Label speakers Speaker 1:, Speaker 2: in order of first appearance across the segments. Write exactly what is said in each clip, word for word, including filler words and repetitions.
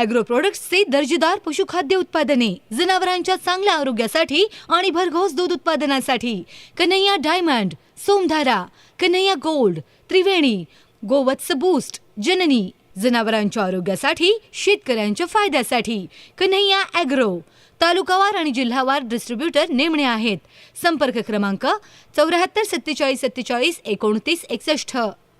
Speaker 1: Agro प्रोडक्ट्सचे दर्जेदार पशुखाद्य उत्पादने, जनावरांच्या चांगल्या आरोग्यासाठी आणि भरघोस दूध उत्पादनासाठी Kanhaiya diamond, Somdhara, Kanhaiya gold, Triveni, Govats boost, Janani, जनावरांच्या आरोग्यासाठी, शेतकऱ्यांच्या फायद्यासाठी कन्हैया ॲग्रो. तालुकावार आणि जिल्हावार डिस्ट्रीब्युटर नेमणे आहेत. संपर्क क्रमांक चौऱ्याहत्तर सत्तेचाळीस सत्तेचाळीस एकोणतीस एकसष्ट.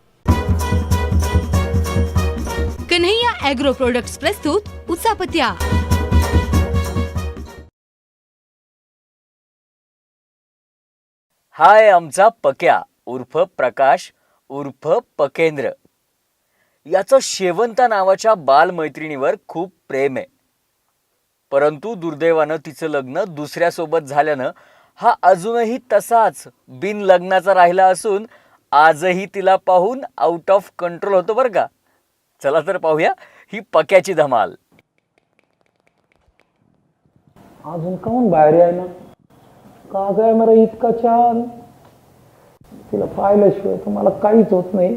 Speaker 1: कन्हैया ॲग्रो प्रोडक्ट्स प्रस्तुत उचापत्या.
Speaker 2: हाय आमचा पक्या उर्फ प्रकाश उर्फ पकेंद्र. याचं शेवंता नावाच्या बालमैत्रिणीवर खूप प्रेम आहे. परंतु दुर्दैवानं तिचं लग्न दुसऱ्यासोबत झाल्यानं हा अजूनही तसाच बिन लग्नाचा राहिला असून आजही तिला पाहून आउट ऑफ कंट्रोल होतो बरं का. चला तर पाहूया ही पक्याची धमाल.
Speaker 3: अजून काऊन बाहेर आहे ना का काय मला इतका छान. तिला पाहिल्याशिवाय तर मला काहीच होत नाही.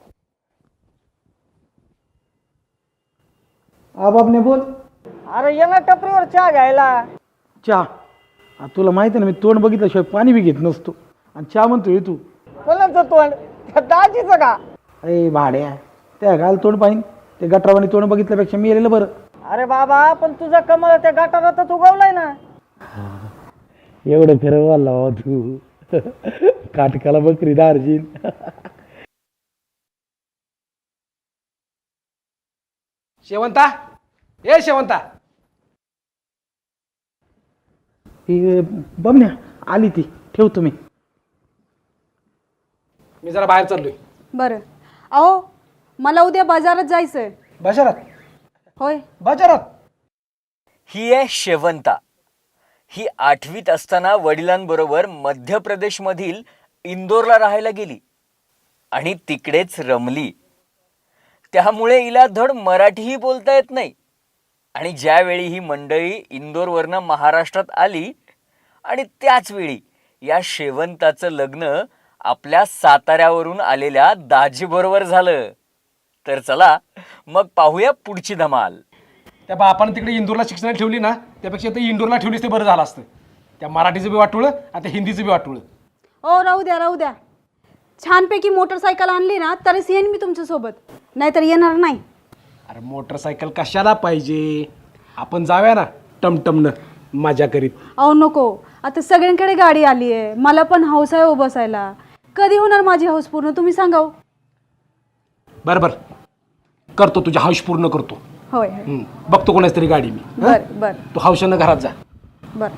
Speaker 3: आबाबने बोल.
Speaker 4: अरे ये ना टपरीवर चहा घ्यायला.
Speaker 3: चहा तुला माहिती आहे ना, मी तोंड बघितल्याशिवाय पाणी बी घेत नसतो आणि चहा म्हणतोय तू.
Speaker 4: कोणाचं तोंड? त्या दाजीचं का?
Speaker 3: अरे भाड्या, त्या घाल तोंड पाहिन. ते गटरावानी तोंड बघितल्यापेक्षा मी गेलेलं बरं.
Speaker 4: अरे बाबा, पण तुझं कमळ त्या गटारातच उगवलाय ना.
Speaker 3: एवढं खरं बोलला तू. काटकाला बकरी दार्जिन.
Speaker 5: शेवंता, ए शेवंता.
Speaker 3: बमण्या आली ती. ठेव तुम्ही.
Speaker 5: मी जरा बाहेर चाललोय.
Speaker 6: बरं. अहो, मला उद्या बाजारात जायचंय.
Speaker 5: बाजारात?
Speaker 6: होय,
Speaker 5: बाजारात.
Speaker 2: ही आहे शेवंता. ही आठवीत असताना वडिलांबरोबर मध्य प्रदेशमधील इंदोरला राहायला गेली आणि तिकडेच रमली. त्यामुळे हिला धड मराठीही बोलता येत नाही. आणि ज्यावेळी ही मंडळी इंदोरवरनं महाराष्ट्रात आली आणि त्याच वेळी या शेवंताचं लग्न आपल्या साताऱ्यावरून आलेल्या दाजीबरोबर झालं. तर चला मग पाहूया पुढची धमाल.
Speaker 5: त्या बापानं तिकडे इंदोरला शिक्षणाला ठेवली ना, त्यापेक्षा ते इंदोरला ठेवलीस ते बरं झालं असतं. त्या मराठीचं बी वाटुळं आणि त्या हिंदीचं बी वाटुळं.
Speaker 6: ओ राहू द्या राहू द्या. छानपैकी मोटरसायकल आणली ना तरच येईन मी तुमच्यासोबत, नाहीतर येणार नाही.
Speaker 5: अरे मोटरसायकल कशाला पाहिजे? आपण जाऊया ना टमटमनं मजा करीत.
Speaker 6: अहो नको, आता सगळ्यांकडे गाडी आली आहे. मला पण हौस आहे हो बसायला. कधी होणार माझी हौस पूर्ण तुम्ही सांगा.
Speaker 5: बरं बरं, करतो तुझ्या हौस पूर्ण करतो.
Speaker 6: होय,
Speaker 5: हम्म, बघतो कोणाच तरी गाडी मी.
Speaker 6: बर बर
Speaker 5: तू हौशानं घरात जा.
Speaker 6: बर.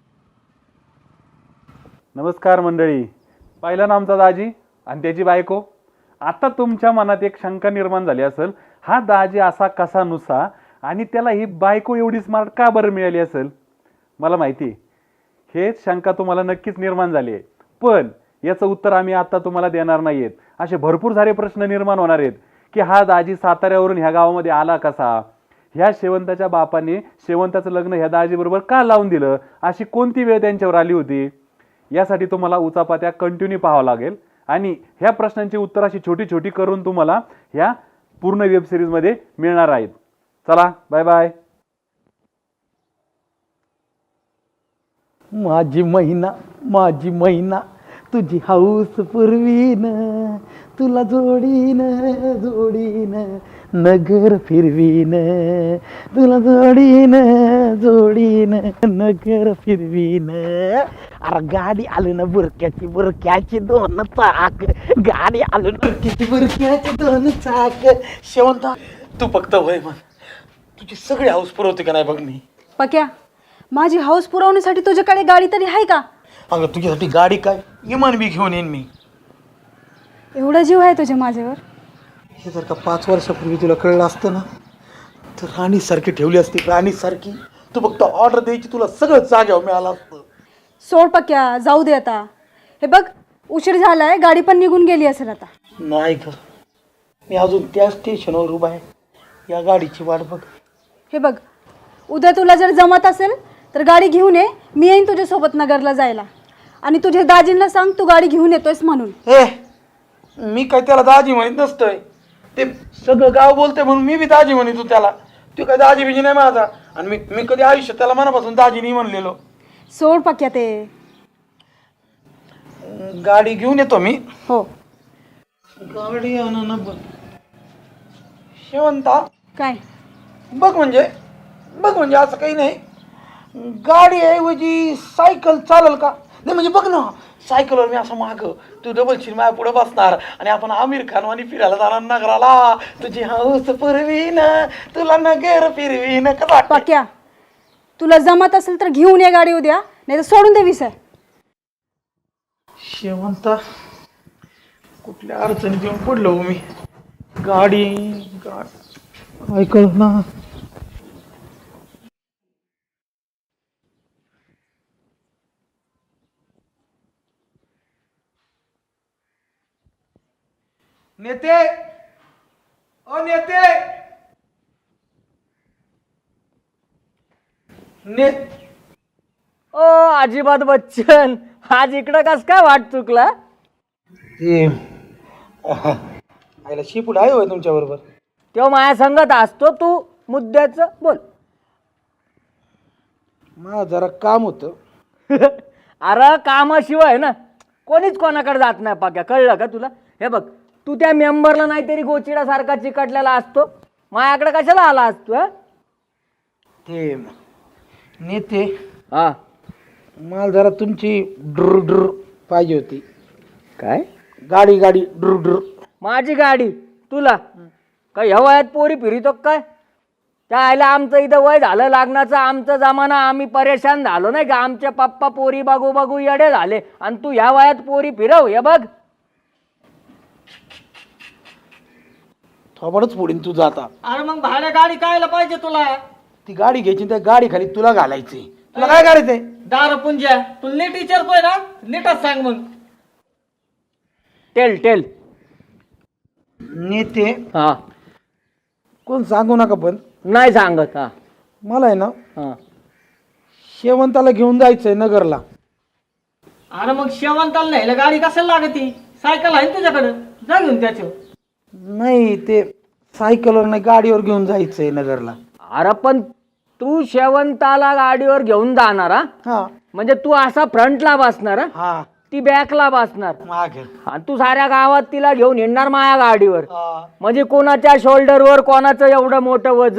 Speaker 7: नमस्कार मंडळी. पाहिलं ना आमचा दाजी आणि त्याची बायको. आता तुमच्या मनात एक शंका निर्माण झाली असेल, हा दाजी असा कसा नुसा आणि त्याला ही बायको एवढी स्मार्ट का बरं मिळाली असेल. मला माहिती आहे हेच शंका तुम्हाला नक्कीच निर्माण झाली आहे, पण याचं उत्तर आम्ही आता तुम्हाला देणार नाही आहेत. असे भरपूर सारे प्रश्न निर्माण होणार आहेत की हा दाजी साताऱ्यावरून ह्या गावामध्ये आला कसा, ह्या शेवंताच्या बापाने शेवंताचं लग्न ह्या दाजीबरोबर का लावून दिलं, अशी कोणती वेळ त्यांच्यावर आली होती. यासाठी तुम्हाला उचापात्या कंटिन्यू पाहावं लागेल आणि ह्या प्रश्नांची उत्तर अशी छोटी छोटी करून तुम्हाला ह्या पूर्ण वेबसिरीजमध्ये मिळणार आहेत. चला बाय बाय.
Speaker 3: माझी महिना माझी महिना तुझी हौस पुरवीन, तुला जोडीन जोडीन नगर फिरवीन, तुला जोडीन जोडीन नगर फिरवीन. अरे गाडी आली ना बुरक्याची बुरक्याची दोन चाक, गाडी आली ना बुरक्याची बुरक्याची दोन चाक. शेवंता तू फक्त वय म्हण, तुझी सगळी हौस पुरवते का नाही बघ मी.
Speaker 6: पक्या, माझी हौस पुरवण्यासाठी तुझ्याकडे गाडी तरी आहे का?
Speaker 3: अगं तुझ्यासाठी गाडी काय, इमान बी घेऊन येईन मी.
Speaker 6: एवढा जीव आहे तुझ्या माझ्यावर?
Speaker 3: हे जर का पाच वर्षापूर्वी तुला कळलं असतं ना तर राणीसारखी ठेवली असती, राणीसारखी. तू फक्त ऑर्डर द्यायची, तुला सगळं जाग्यावर मिळालं असतं.
Speaker 6: सोड पक्या, जाऊ दे आता. हे बघ, उशीर झालाय, गाडी पण निघून गेली असेल आता.
Speaker 3: नाही ग, मी अजून त्या स्टेशनवर उभा आहे, या गाडीची वाट बघ.
Speaker 6: हे बघ, उद्या तुला जर जमत असेल तर गाडी घेऊन ये. मी येईन तुझ्यासोबत नगरला जायला. आणि तुझ्या दाजींना सांग तू गाडी घेऊन येतोयस म्हणून.
Speaker 3: हे मी काय त्याला दाजी म्हणत नसतोय, ते सगळं गाव बोलते म्हणून मी बी दाजी म्हणतो त्याला. तो काय दाजी बिजी नाही माझा, आणि मी मी कधी आयुष्यात त्याला मनापासून दाजी नाही म्हणलेलो.
Speaker 6: सोड पक्या ते.
Speaker 3: गाडी घेऊन येतो मी.
Speaker 6: हो.
Speaker 3: गाडी आणा बघ शेवंता.
Speaker 6: काय
Speaker 3: बघ म्हणजे बघ म्हणजे असं काही नाही, गाडी ऐवजी सायकल चालेल का? नाही म्हणजे बघ ना, सायकलवर मी असं माग, तू डबल सीट माझ्या पुढे बसणार आणि आपण आमिर खान वाणी फिरायला जाणार नगराला. तुझी हौस पुरवीन तुला नगर फिरवीन. कसं वाटतं?
Speaker 6: पक्या, तुला जमत असेल तर घेऊन ये गाडी उद्या, नाही तर सोडून दे विषय.
Speaker 3: शेवंता कुठल्या अडचणीत येऊन पडलो मी. गाडी गाडी ऐकल ना. नेते ओ नेते ने
Speaker 4: ओ अजिबात बच्चन, आज इकडं कस काय वाट चुकला?
Speaker 3: ते आईला शिपूट आहे होय तुमच्या बरोबर?
Speaker 4: तेव्हा माझ्या संगत असतो, तू मुद्द्याचं बोल.
Speaker 3: मला जरा काम होतं.
Speaker 4: अरे कामाशिवाय ना कोणीच कोणाकडे जात नाही पाक्या, कळलं का तुला? हे बघ, तू त्या मेंबरला नाहीतरी गोचिडासारखा चिकटलेला असतो, माझ्याकडे कशाला आला असतो? हं?
Speaker 3: ते नेते
Speaker 4: हा
Speaker 3: मला जरा तुमची ड्र ड्र पाहिजे होती.
Speaker 4: काय?
Speaker 3: गाडी गाडी ड्र ड्र.
Speaker 4: माझी गाडी तुला काय ह्या वयात पोरी फिरितो काय? त्या आयला आमचं इथं वय झालं लग्नाचं, आमचं जमाना, आम्ही परेशान झालो नाही का? आमचे पप्पा पोरी बघू बघू येडे झाले आणि तू ह्या वयात पोरी फिरव. हे बघ
Speaker 3: थोबडच फोडीन तुझं आता.
Speaker 4: अरे मग भाड्या गाडी कायला पाहिजे तुला?
Speaker 3: ती गाडी घ्यायची, त्या गाडी खाली तुला घालायची. तुला काय करायचंय?
Speaker 4: दार पुंजा तू नीट विचारतोय ना, नीटच सांग मग. Tell tell.
Speaker 3: नेते
Speaker 4: हा
Speaker 3: कोण सांगू नका, पण
Speaker 4: नाही सांगत. हा
Speaker 3: मला आहे ना
Speaker 4: हा.
Speaker 3: शेवंताला घेऊन जायचंय नगरला.
Speaker 4: अरे मग शेवंताला न्यायला गाडी कशाला लागती? सायकल आहे तुझ्याकडे, जा घेऊन त्याच्यावर.
Speaker 3: नाही, ते सायकलवर नाही, गाडीवर घेऊन जायचंय नगरला.
Speaker 4: अरे पण तू शेवंताला गाडीवर घेऊन जाणार? हा?
Speaker 3: हा
Speaker 4: म्हणजे तू असा फ्रंटला बसणार, हा?
Speaker 3: हा
Speaker 4: ती बॅकला बसणार
Speaker 3: मागे.
Speaker 4: आणि तू साऱ्या गावात तिला घेऊन येणार माझ्या गाडीवर.
Speaker 3: हा.
Speaker 4: म्हणजे कोणाच्या शोल्डरवर कोणाचं एवढं मोठं वज.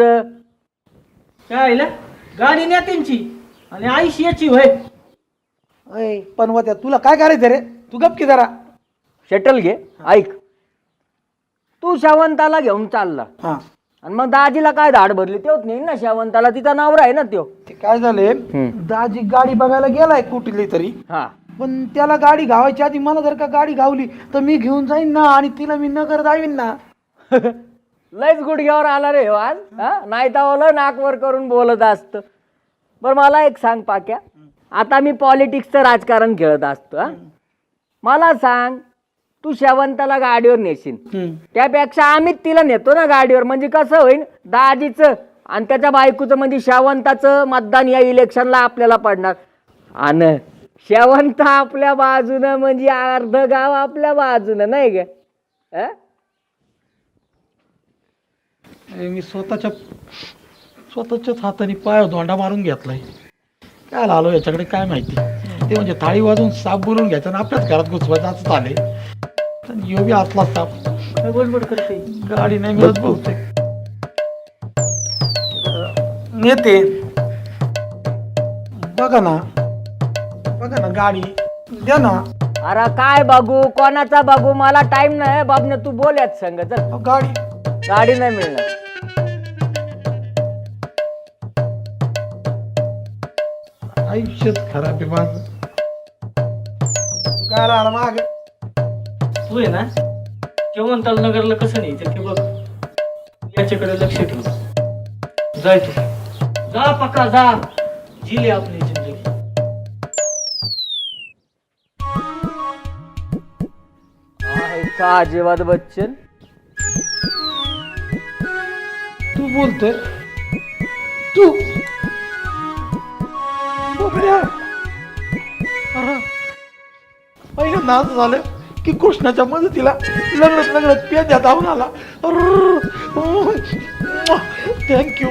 Speaker 4: गाडी नेत्यांची आणि आईशी याची होय.
Speaker 3: अय पण वात्या तुला काय करायचं रे? तू गप की जरा.
Speaker 4: शटल घे. ऐक, तू शेवंताला घेऊन चालला
Speaker 3: हा
Speaker 4: आणि मग दाजीला काय धाड भरली? तेच नाही ना शेवंताला, तिचा नवरा आहे ना त्यो.
Speaker 3: ते काय झाले, दाजी गाडी बघायला गेलाय कुठली तरी,
Speaker 4: हा
Speaker 3: पण त्याला गाडी घावायची आधी मला जर का गाडी घावली तर मी घेऊन जाईन ना, आणि तिला मी नगर जाईन ना.
Speaker 4: लयच गुडघ्यावर आला रे हो आज. हा नाही तर नाकवर करून बोलत असत. बरं मला एक सांग पाक्या, आता मी पॉलिटिक्सचं राजकारण खेळत असतो. हा मला सांग, तू शेवंताला गाडीवर नेशील, त्यापेक्षा आम्हीच तिला नेतो ना गाडीवर. म्हणजे कसं होईल, दाजीचं आणि त्याच्या बायकोचं म्हणजे शेवंताचं मतदान या इलेक्शनला आपल्याला पडणार, आणि शेवंत आपल्या बाजूनं म्हणजे अर्ध गाव आपल्या बाजूनं, नाही ग?
Speaker 3: मी स्वतःच्या स्वतःच्याच हाताने पाय धोंडा मारून घेतलाय. काय आलो याच्याकडे काय माहिती. ते म्हणजे थाळी वाजून साप बोलून घ्यायचं आणि आपल्याच घरात घुसवायचं असं झाले. यो बी आतला साप.
Speaker 4: बडबड करते.
Speaker 3: गाडी नाही मिळत बहुतेक. नेते बघा ना, बघा ना गाडी द्या ना.
Speaker 4: अरे काय बघू, कोणाचा बघू, मला टाइम नाही बाबने, तू बोल यात संग. चल,
Speaker 3: गाडी
Speaker 4: गाडी नाही मिळणार.
Speaker 3: आयुष्यच खराब आहे माझं. काय राहिला माग?
Speaker 8: तू आहे ना शेवंताल नगरला कसं न्यायचं ते बघ, याच्याकडे लक्ष ठेव. जाय तू, जा पक्का जा, जिले आपली जिंदगी.
Speaker 4: का अजिबात बच्चन,
Speaker 3: तू बोलतोय? तू बापरे. अरे पहिल्यांदा असं झालं की कृष्णाच्या मदतीला लग्नच लग्नच पेद्या धावून आला. अर्र. थँक्यू.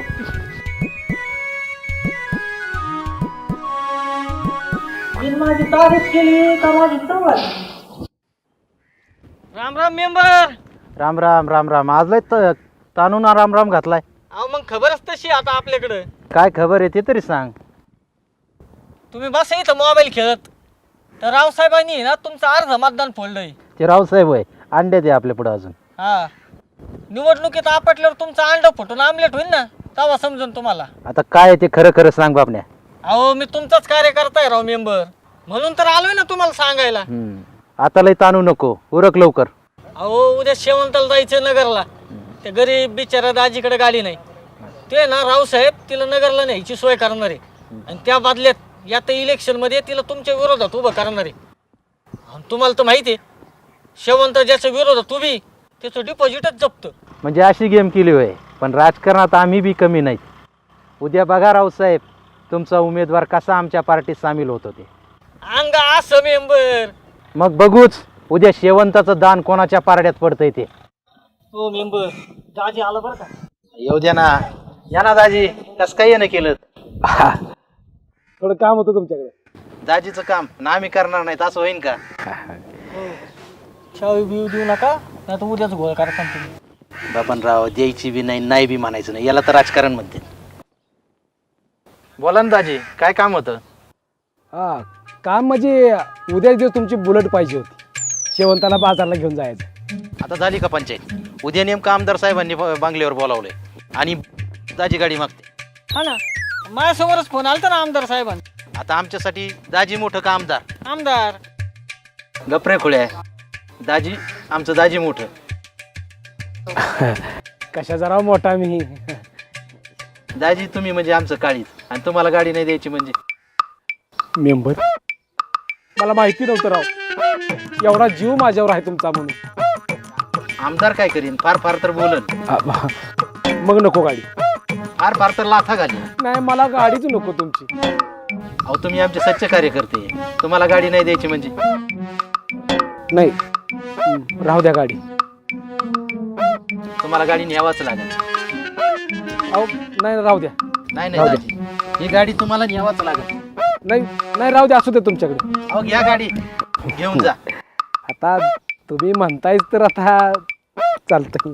Speaker 8: माझी तारीफ केली का माझी तवाच? राम राम मेंबर.
Speaker 3: राम राम राम राम. आज लय त- ताणून राम राम घातलाय.
Speaker 8: अहो मग खबरच तशी आता आपल्याकडं.
Speaker 3: काय खबर आहे ते तरी सांग.
Speaker 8: तुम्ही बसा इथं मोबाईल खेळत, तर रावसाहेबांनी ना तुमचं अर्ध मतदान फोडलंय.
Speaker 3: ते रावसाहेब होय, अंडे दे आपल्या पुढे अजून.
Speaker 8: हा, निवडणुकीत आपटल्यावर तुमचं अंड फुटून आमलेट होईल ना, तेव्हा समजून तुम्हाला.
Speaker 3: आता काय आहे ते खरं खरं सांग बापण्या.
Speaker 8: अहो मी तुमचाच कार्यकर्ता आहे राव मेंबर, म्हणून तर आलोय ना तुम्हाला सांगायला.
Speaker 3: हम्म. आता लय ताणू नको, उरक लवकर.
Speaker 8: अहो उद्या शेवंताला जायचं नगरला. ते गरीब बिचारा दाजीकडे गाडी नाही. ते ना रावसाहेब तिला नगरला न्यायची सोय करणार आहे, आणि त्या बदल्यात या तर इलेक्शनमध्ये तिला तुमच्या विरोधात उभं करणार आहे. आणि तुम्हाला तर माहिती आहे, शेवंत ज्याच्या विरोधात उभी त्याचं डिपॉझिटच जप्त.
Speaker 3: म्हणजे अशी गेम केली होय. पण राजकारणात आम्ही बी कमी नाहीत. उद्या बघा रावसाहेब तुमचा उमेदवार कसा आमच्या पार्टीत सामील होत होते.
Speaker 8: अंग असं मेंबर.
Speaker 3: मग बघूच उद्या शेवंताचं दान कोणाच्या पारड्यात पडतंय ते.
Speaker 8: हो मेंबर, दाजी आलं बरं का.
Speaker 3: येऊ द्या ना. या ना दाजी, कस काय येणं केलं.
Speaker 5: थोडं काम होतं तुमच्याकडे.
Speaker 3: दाजीचं काम ना आम्ही करणार नाहीत असं होईन का.
Speaker 8: चावी बिव देऊ नका, नाही तर उद्याच गोळ करता तुम्ही.
Speaker 3: बापनराव द्यायची बी नाही, नाही बी म्हणायचं नाही, याला तर राजकारण म्हणते. बोला ना दाजी, काय काम होतं.
Speaker 5: हा, काम म्हणजे उद्याच दिवस तुमची बुलेट पाहिजे होती, शेवंताला बाजारला घेऊन जायचं.
Speaker 3: आता झाली का पंचायत. उद्या नेमकं आमदार साहेबांनी ब- बंगल्यावर बोलावलंय आणि दाजी गाडी मागते.
Speaker 8: हा ना, माझ्यासमोरच फोन आलता ना आमदार साहेबांना.
Speaker 3: आता आमच्यासाठी दाजी मोठं का आमदार.
Speaker 8: आमदार
Speaker 3: गप्रे खुळे दाजी, आमचं दाजी मोठं.
Speaker 5: कशा जरा मोठा मी.
Speaker 3: दाजी तुम्ही म्हणजे आमचं काळीच, आणि तुम्हाला गाडी नाही द्यायची म्हणजे.
Speaker 5: मेंबर, मला माहिती नव्हतं राव, एवढा जीव माझ्यावर आहे तुमचा म्हणून.
Speaker 3: आमदार काय करीन, फार फार तर बोलन.
Speaker 5: मग नको गाडी.
Speaker 3: फार फार तर लाथा घाली.
Speaker 5: नाही, मला गाडीच नको तुमची.
Speaker 3: अहो तुम्ही आमचे सच्चे कार्यकर्ते, तुम्हाला गाडी नाही द्यायची म्हणजे.
Speaker 5: नाही, हं, राहू द्या गाडी.
Speaker 3: तुम्हाला गाडी न्यावाच लागेल.
Speaker 5: अहो नाही, राहू द्या.
Speaker 3: नाही नाही दाजी, ही गाडी तुम्हाला न्यावाच लागेल.
Speaker 5: नाही नाही, राहू द्या, असू दे तुमच्याकडे.
Speaker 3: अहो घ्या गाडी, घेऊन जा.
Speaker 5: आता तुम्ही म्हणतायच तर आता चालतंय.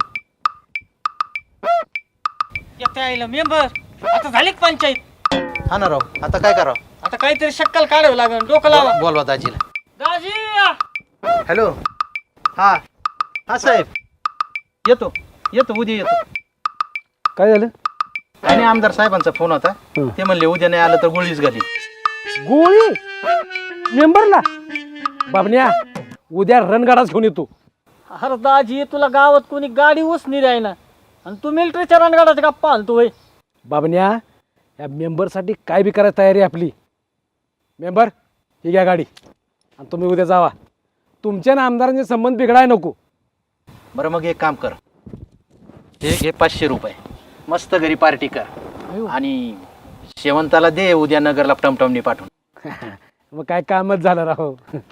Speaker 8: येते आईला मेंबर, आता झाली का पंचायत.
Speaker 3: हा ना राव, आता काय करावं.
Speaker 8: आता काहीतरी शक्कल काढावं लागेल, डोकं लावा.
Speaker 3: बोलवा दाजीला.
Speaker 8: दाजी
Speaker 3: हॅलो. हा हा साहेब, येतो येतो उद्या येतो.
Speaker 5: काय झालं.
Speaker 3: आणि आमदार साहेबांचा फोन होता,
Speaker 5: हं.
Speaker 3: ते म्हणले उद्या नाही आलं तर गोळीच घाली.
Speaker 5: गोळी मेंबरला. बाबण्या, उद्या रणगाडाच घेऊन येतो.
Speaker 8: अरे दाजी, तुला गावात कोणी गाडी उसनी द्यायना, आणि तू मिलिटरीच्या रणगाडाचा गप्पा आणतो होय.
Speaker 5: बाबण्या, या मेंबरसाठी काय बी करायची तयारी आपली. मेंबर, ही घ्या गाडी, आणि तुम्ही उद्या जावा. तुमच्या ना आमदारांचे संबंध बिघडाय नको.
Speaker 3: बरं मग एक काम कर, हे घे पाचशे रुपये, मस्त घरी पार्टी कर, आणि शेवंताला दे उद्या नगरला टमटमनी पाठवून.
Speaker 5: मग काय कामच झालं राहो.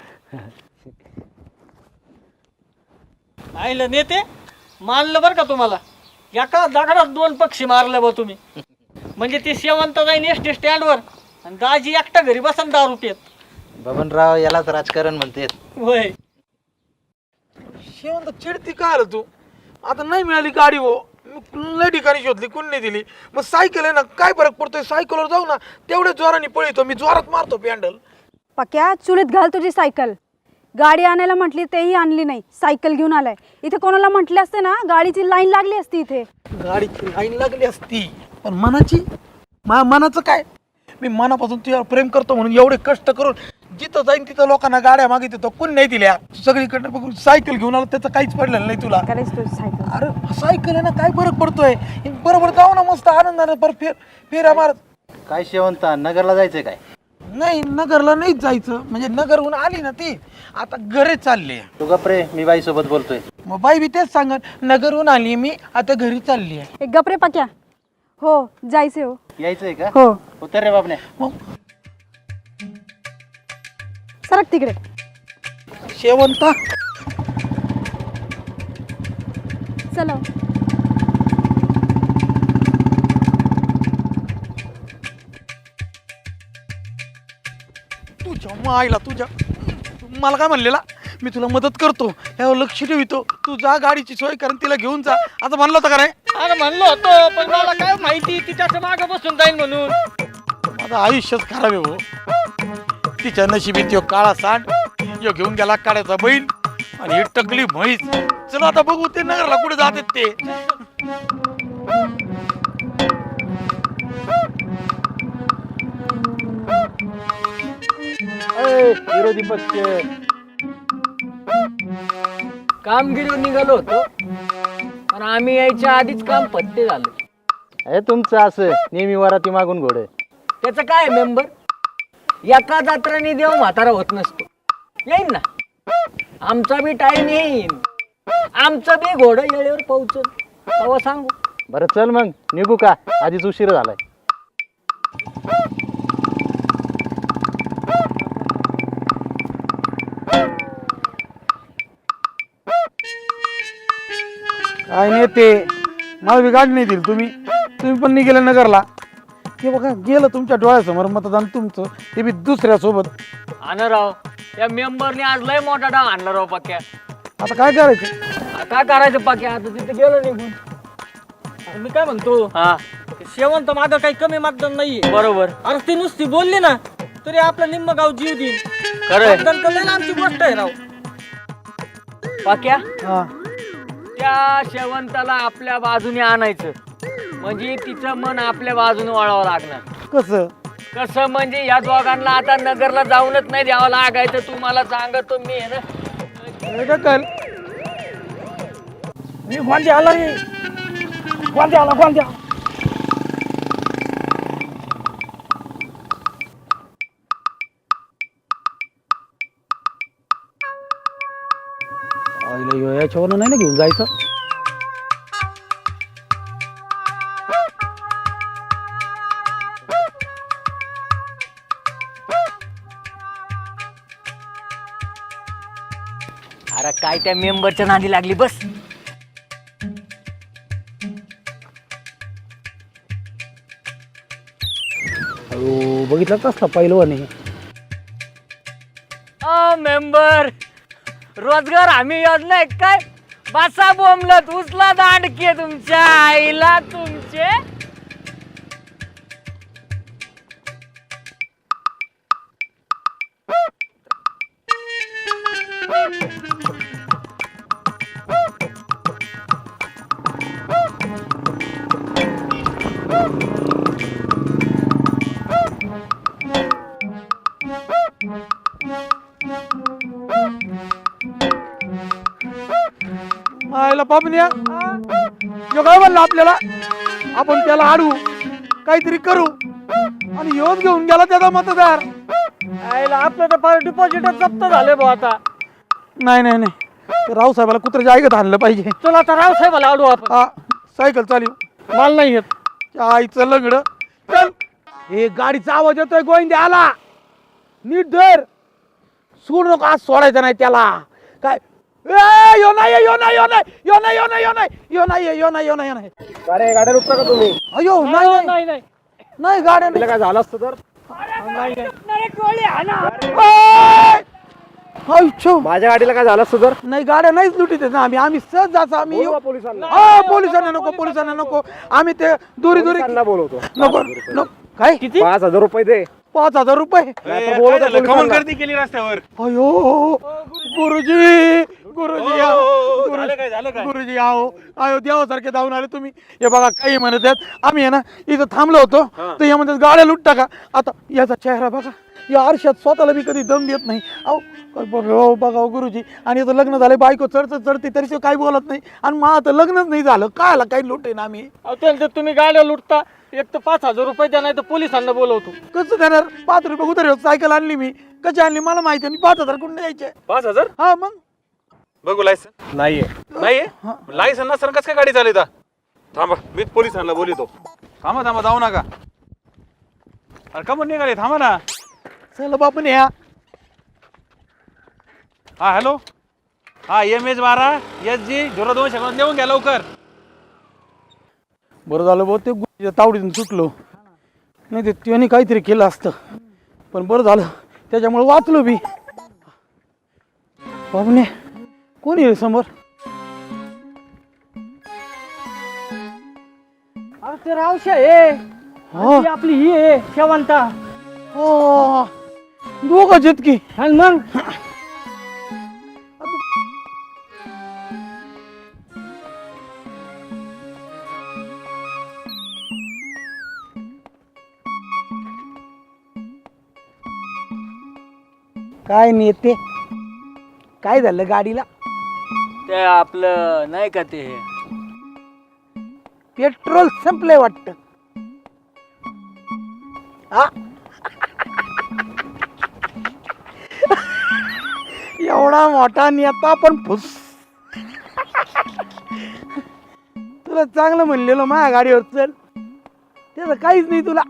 Speaker 8: आईला नेते मानलं बरं का तुम्हाला. एका दगडात दोन पक्षी मारले बा तुम्ही. म्हणजे ते शेवंत जाईन एस टी स्टँडवर, आणि दाजी एकटा घरी बसन दारू पेत.
Speaker 3: बबनराव यालाच राजकारण म्हणते.
Speaker 8: होय,
Speaker 9: शेवंत चिडती का आलं तू. आता नाही मिळाली गाडी हो, लय ठिकाणी शोधली, कोण नाही दिली. मग सायकल आहे ना, काय फरक पडतोय, सायकलवर जाऊ ना, तेवढ्या जोराने पळतो मी, जोरात मारतो पॅन्डल.
Speaker 6: पक्या, चुलीत घाल तुझी सायकल. गाडी आणायला म्हटली तेही आणली नाही, सायकल घेऊन आलाय. इथे कोणाला म्हटले असते ना, गाडीची लाईन लागली असती इथे.
Speaker 9: गाडीची लाईन लागली असती, पण मनाची, मा मनाचं काय. मी मनापासून तुझ्यावर प्रेम करतो म्हणून एवढे कष्ट करून जिथं जाईन तिथं लोकांना गाड्या मागितलं, तो कोण नाही दिल्या. सगळीकडनं बघून सायकल घेऊन आलो, त्याचं काहीच पडलेलं नाही तुला.
Speaker 6: करायची तुझी सायकल.
Speaker 9: अरे सायकल आहे ना, काय फरक पडतोय. बरोबर जाऊ ना मस्त आनंदाने, पर फेर फेऱ्या मारत.
Speaker 3: काय शेवंता, नगरला जायचंय काय.
Speaker 9: नाही, नगरला नाहीच जायचं, म्हणजे नगरहून आली ना ती, आता घरी चालली.
Speaker 3: तू गप्रे, मी बाई सोबत बोलतोय.
Speaker 9: मग बाई बी तेच सांगत, नगरहून आली मी, आता घरी चालली आहे.
Speaker 6: एक गपरे पक्या. हो, जायचे हो.
Speaker 3: यायचंय का.
Speaker 6: हो.
Speaker 3: उतर रे बाबने.
Speaker 9: मग
Speaker 6: सरक तिकडे.
Speaker 9: शेवंता
Speaker 6: चला.
Speaker 9: तुझ्या मायला तुझ्या मला काय म्हणलेला मी तुला मदत करतो यावर लक्ष ठेवितो तू जा गाडीची सोय कारण तिला घेऊन जा आता म्हणलं होतं का नाही
Speaker 8: अरे म्हणलो होतो पण मला काय माहिती ती त्याच्या मागे बसून जाईल म्हणून.
Speaker 9: माझं आयुष्यच खराब आहे भाऊ तिच्या नशिबीत यो काळा सांड यो घेऊन गेला काड्याचा बैल आणि ही टकली म्हैस. चला आता बघू ते नगरला कुठे जातात ते.
Speaker 3: विरोधी पक्ष
Speaker 4: कामगिरी निघालो होतो पण आम्ही यायच्या आधीच काम पत्ते झालं.
Speaker 3: हे तुमचं असं नेहमी वराती मागून घोडे.
Speaker 4: त्याचं काय मेंबर एका जात्राने देव म्हातारा होत नसतो. येईन ना आमचा बी टाइम येईन आमचं बी घोडं येळेवर पोहोचल तेव्हा सांगू.
Speaker 3: बरं चल मग निघू का आधीच उशीर झालाय.
Speaker 9: काय नाही ते मला बी गाडी नाही दिली तुम्ही तुम्ही पण निघेले नगरला ते बघा गेलं तुमच्या डोळ्यासमोर मतदान तुमचं ते बी दुसऱ्या सोबत.
Speaker 4: आणा राव या मेंबरने आज लय मोठा डाव आणला राव पक्या.
Speaker 9: आता काय करायचं
Speaker 4: काय करायचं पक्या आता तिथे गेलो निघून.
Speaker 8: अरे मी काय म्हणतो
Speaker 4: हा
Speaker 8: शेवंत माझं काही कमी मतदान नाहीये.
Speaker 4: बरोबर
Speaker 8: अरे ती नुसती बोलली ना तरी आपलं निम्म गाव जीव देईल.
Speaker 4: खरंय
Speaker 8: मतदान करणं आमची गोष्ट आहे राव.
Speaker 4: पक्या
Speaker 9: हा
Speaker 4: त्या शेवंताला आपल्या बाजूने आणायचं म्हणजे तिचं मन आपल्या बाजूने वळावं लागणार.
Speaker 9: कसं
Speaker 4: कसं म्हणजे या दोघांना आता नगरला जाऊनच नाही द्यावं लागायचं. तुम्हाला सांगतो मी आहे ना.
Speaker 9: कल
Speaker 8: मी गोंदे आला रे गोंदे आला गोंदे.
Speaker 9: याच्यावर नाही ना घेऊन जायचं.
Speaker 4: अरे काय त्या मेंबरच्या नादी लागली बस.
Speaker 9: अहो बघितलं कसला पहिलवान आहे.
Speaker 4: अ मेंबर रोजगार हमी योजना आहे काय बसा बोंबलत उचला दांडके तुमच्या आईला तुमचे.
Speaker 9: आयला पापण्या यो काय म्हणला आपल्याला आपण त्याला आडू काहीतरी करू आणि योच घेऊन गेला त्याचा मतदार.
Speaker 8: आईला आपलं तर फार डिपॉझिटच जप्त झाले भाऊ आता.
Speaker 9: नाही नाही नाही रावसाहेबाला कुत्र्याच्या ऐकत आणलं पाहिजे.
Speaker 8: चला आता रावसाहेबाला आडू आपण.
Speaker 9: हा सायकल चालू
Speaker 8: मला नाही येत.
Speaker 9: आईचं लंगड चल. हे गाडीचा आवाज येतोय गोविंदे आला नीट धर सोड नको आज सोडायचं नाही त्याला. काय ए यो नाही यो नाही यो नाही यो नाही यो नाही यो नाही यो नाही यो नाही यो नाही यो नाही.
Speaker 5: अरे गाड्या रुपता का तुम्ही?
Speaker 9: अयो नाही नाही
Speaker 8: नाही नाही
Speaker 9: नाही गाड्या नाही.
Speaker 5: काय झालं असतं तर
Speaker 9: अच्छा
Speaker 5: माझ्या गाडीला काय झालं असतं तर?
Speaker 9: नाही गाड्या नाहीच लुटीत आहेत ना आम्ही आम्ही सहज जायचं आम्ही येऊ.
Speaker 5: पोलिसांना
Speaker 9: हा पोलिसांना नको पोलिसांना नको आम्ही ते दुरी दुरी
Speaker 5: पोलिसांना बोलवतो.
Speaker 9: नको नको. काय किती
Speaker 5: पाच हजार रुपये दे.
Speaker 9: पाच हजार रुपये
Speaker 5: नाहीतर बोलवतो पोलिसांना.
Speaker 7: केली रस्त्यावर
Speaker 9: अयो गुरुजी गुरुजी आओ, गुरु- गुरुजी आओ आयो देवासारखे धावून आले तुम्ही. हे बघा काही म्हणत आहेत आम्ही आहे ना इथं थांबलो होतो तर या म्हणतात गाड्या लुटता का. आता याचा चेहरा बघा या आरशात स्वतःला मी कधी दम देत नाही. अहो बघा बघा गुरुजी आणि इथं लग्न झाले बायको चढत चढते तरी ते काही बोलत नाही आणि मग आता लग्नच नाही झालं काय काही लुटे ना आम्ही.
Speaker 8: अहो, त्यांचं तुम्ही गाड्या लुटता एक तर पाच हजार रुपये द्या नाही तर पोलिसांना बोलवतो.
Speaker 9: कसं देणार पाच रुपये उतर सायकल आणली मी कशी आणली मला माहिती आणि पाच हजार कुठे द्यायचे.
Speaker 7: पाच हजार
Speaker 9: हा मग
Speaker 7: बघू लायसन नाहीये नाहीये लायसन नसताना कसं काय गाडी चालवता. थांबा मीच पोलिसांना बोलितो. थांबा थांबा जाऊ नका. अरे का म्हणून निघाले थांबा ना.
Speaker 9: चला बापून या.
Speaker 7: हा हॅलो हा एम एच बारा एस जी झिरो दोन सेकंद नेऊन घ्या लवकर.
Speaker 9: बरं झालं भाऊ ते गुरुजीच्या तावडीतून सुटलो नाही ते त्याने काहीतरी केलं असतं पण बरं झालं
Speaker 3: त्याच्यामुळे वाचलो बी. बाबने कोण येईल समोर?
Speaker 4: ते रावशा आहे
Speaker 3: हो.
Speaker 4: ती आपली ही आहे शेवंता.
Speaker 3: हो दोघं जितकी.
Speaker 4: आणि मग
Speaker 3: काय नेते काय झालं गाडीला?
Speaker 4: ते आपलं नाही का ते
Speaker 3: पेट्रोल संपलंय वाटत. एवढा मोठा नेता पण फुस. तुला चांगलं म्हणलेलं माझ्या गाडीवर चल, त्याचं काहीच नाही तुला.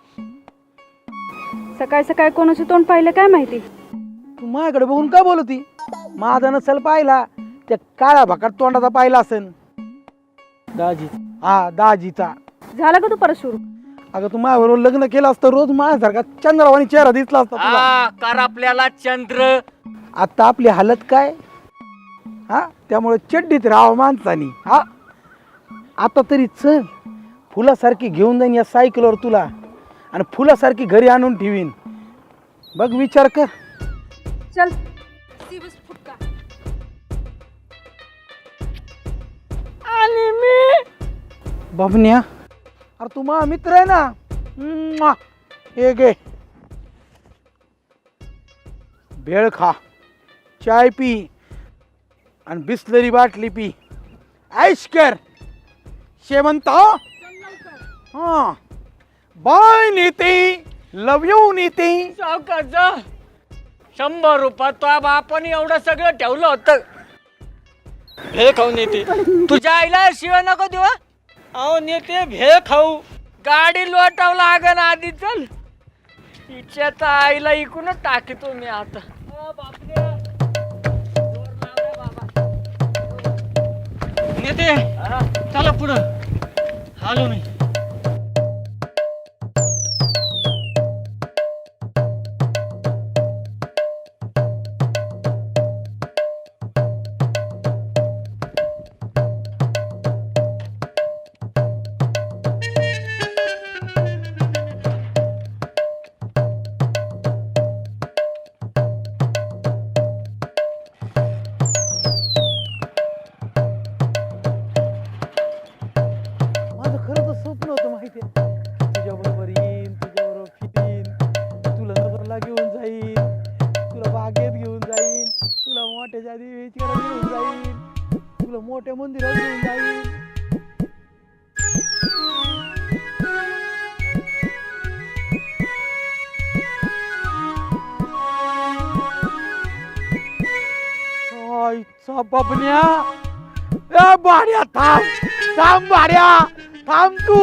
Speaker 6: सकाळी सकाळी कोणाचं तोंड पाहिलं काय माहिती.
Speaker 3: तू माझ्याकडे बघून काय बोलती? माझा नसेल पाहिला, त्या काळ्या भाकात तोंडाचा पाहिला असेल.
Speaker 4: दाजी
Speaker 3: हा दाजीचा.
Speaker 6: झालं का तू परत सुरू?
Speaker 3: अगं तू माझ्याबरोबर लग्न केलं असतं रोज माझ्यासारखा चंद्रावानी चेहरा दिसला असता तुला.
Speaker 4: हा कर आपल्याला चंद्र.
Speaker 3: आता आपली हालत काय? हा त्यामुळे चड्डीत राहावं माणसानी. हा आता तरी चल, फुलासारखी घेऊन जाईन या सायकलवर तुला आणि फुलासारखी घरी आणून ठेवीन. बघ विचार कर.
Speaker 6: चल.
Speaker 3: आणि मी बबन्या, अरे तू माझा मित्र आहे ना. म्वा. हे घे भेळ खा, चाय पी आणि बिस्लरी बाटली पी, ऐश कर. शेवंत हा बाय नेते, लव यू नेते.
Speaker 4: सावकाश शंभर रुपयात तो बापाने एवढं सगळं ठेवलं होतं.
Speaker 8: भेळ खाऊन येते.
Speaker 4: तुझ्या आईला शिवाय नको देऊ. हं?
Speaker 8: अहो नेते भेळ खाऊ.
Speaker 4: गाडी लोटावं लागन आधी. चल तिच्याचा आईला इकूनच टाकतो मी आता. ओ बापरे. जोर लावलाय बाबा.
Speaker 8: नेते
Speaker 4: हा.
Speaker 8: चला पुढं. आलो मी.
Speaker 3: माझं खरं तर स्वप्न होतं माहिती आहे. तुझ्या बरोबर येईन, तुझ्या बरोबर फिरीन, तुला नगरला घेऊन जाईन, तुला बागेत घेऊन जाईन, तुला मोठ्याच्या देवीकडे घेऊन जाईन, तुला मोठ्या मंदिरात घेऊन जाईन. आईचा बबन्या. ए भाड्या थांब, थांब भाड्या, थांब तू.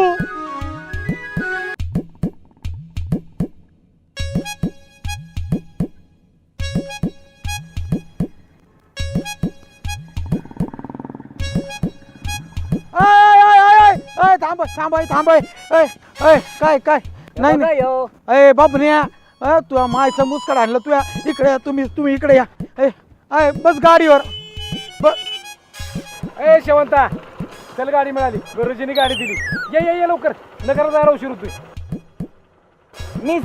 Speaker 3: आय, आय, आय, आय, आय, थांब थांब आय, थांब आय. आय, आय, काय काय नाही नाही.
Speaker 4: बघा ह्यो.
Speaker 3: अय बाबन्या, अ तुझ्या मायचं मुस्कड आणलं तुया. इकडे या, तुम्ही तुम्ही इकडे या. ए अय बस गाडीवर. ब-
Speaker 5: ए शेवंता, चल गाडी मिळाली. गुरुजीने गाडी दिली. ये ये ये लवकर, नगरात जायला उशीर होतोय.
Speaker 4: मी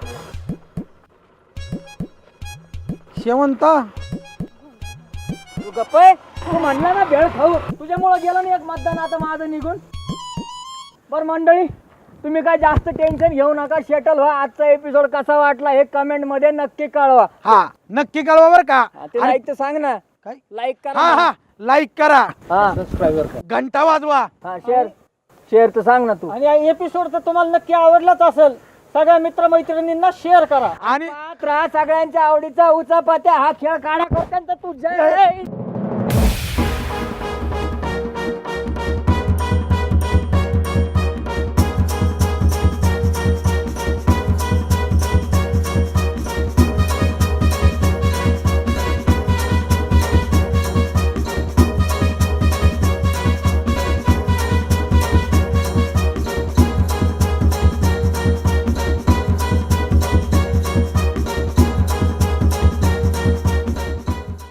Speaker 3: शेवंता
Speaker 4: तू गप्प आहे. तू म्हणला ना भेळ खाऊ, तुझ्यामुळं गेलं ना एक मतदान आता माझं निघून. बरं मंडळी, तुम्ही काय जास्त टेन्शन घेऊ नका. शेटल व्हा. आजचा एपिसोड कसा वाटला हे कमेंट मध्ये नक्की कळवा.
Speaker 3: हा नक्की कळवा बर का.
Speaker 4: हा, ते
Speaker 3: आणि-
Speaker 4: लाईक तर सांग ना.
Speaker 3: काय?
Speaker 4: लाईक करा.
Speaker 3: हा हा लाईक करा,
Speaker 4: हा
Speaker 5: सबस्क्राईबर कर.
Speaker 3: घंटा वाजवा.
Speaker 4: हा शेअर शेअर तर सांग ना तू.
Speaker 8: आणि या एपिसोड तर तुम्हाला नक्की आवडलाच असेल. सगळ्या मित्रमैत्रिणींना शेअर करा.
Speaker 3: आणि
Speaker 4: पाहत राहा सगळ्यांच्या आवडीचा उचापात्या हा खेळ काढा करताना तू जय